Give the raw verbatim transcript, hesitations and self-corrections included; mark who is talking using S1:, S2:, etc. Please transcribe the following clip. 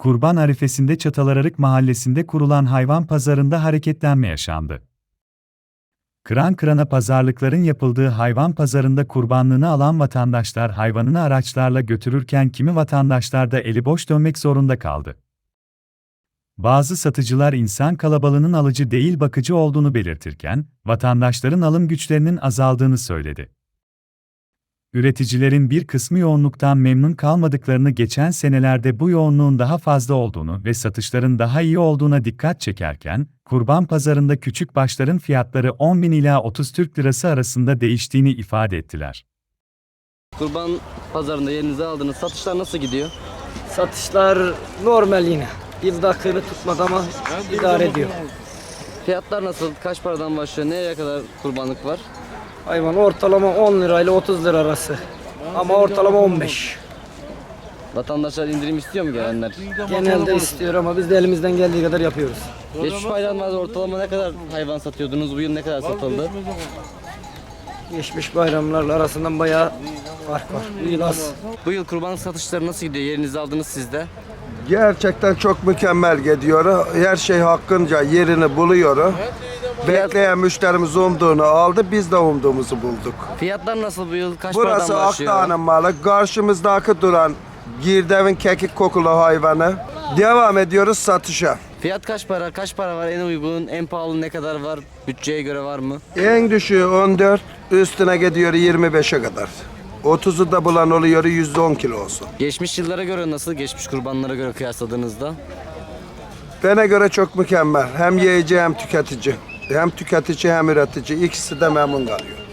S1: Kurban arifesinde Çatallararık mahallesinde kurulan hayvan pazarında hareketlenme yaşandı. Kıran kırana pazarlıkların yapıldığı hayvan pazarında kurbanlığını alan vatandaşlar hayvanını araçlarla götürürken kimi vatandaşlar da eli boş dönmek zorunda kaldı. Bazı satıcılar insan kalabalığının alıcı değil bakıcı olduğunu belirtirken, vatandaşların alım güçlerinin azaldığını söyledi. Üreticilerin bir kısmı yoğunluktan memnun kalmadıklarını, geçen senelerde bu yoğunluğun daha fazla olduğunu ve satışların daha iyi olduğuna dikkat çekerken, kurban pazarında küçük başların fiyatları on bin ila otuz Türk lirası arasında değiştiğini ifade ettiler.
S2: Kurban pazarında yerinize aldığınız satışlar nasıl gidiyor?
S3: Satışlar normal yine. Yılda kırı tutmadı ama idare ediyor.
S2: Fiyatlar nasıl? Kaç paradan başlıyor? Nereye kadar kurbanlık var?
S3: Hayvan ortalama on lirayla otuz lira arası. Ama ortalama on beş.
S2: Vatandaşlar indirim istiyor mu gelenler?
S3: Genelde istiyor ama biz de elimizden geldiği kadar yapıyoruz.
S2: Geçmiş bayramlarda ortalama ne kadar hayvan satıyordunuz? Bu yıl ne kadar satıldı?
S3: Geçmiş bayramlarla arasından bayağı fark var. Bu yıl az.
S2: Bu yıl kurbanlık satışları nasıl gidiyor? Yerinizi aldınız siz de.
S4: Gerçekten çok mükemmel gidiyor. Her şey hakkınca yerini buluyor. Bekleyen müşterimiz umduğunu aldı, biz de umduğumuzu bulduk.
S2: Fiyatlar nasıl bu yıl? Kaç
S4: Burası
S2: paradan başlıyor?
S4: Akdağ'ın malı. Karşımızdaki duran Girdev'in kekik kokulu hayvanı. Devam ediyoruz satışa.
S2: Fiyat kaç para? Kaç para var? En uygun, en pahalı ne kadar var? Bütçeye göre var mı?
S4: En düşüğü on dört, üstüne gidiyor yirmi beşe kadar. otuzu da bulan oluyor yüz on kilo olsun.
S2: Geçmiş yıllara göre nasıl? Geçmiş kurbanlara göre kıyasladığınızda?
S4: Bana göre çok mükemmel. Hem yiyici hem tüketici. Hem tüketici hem üretici. İkisi de memnun kalıyor.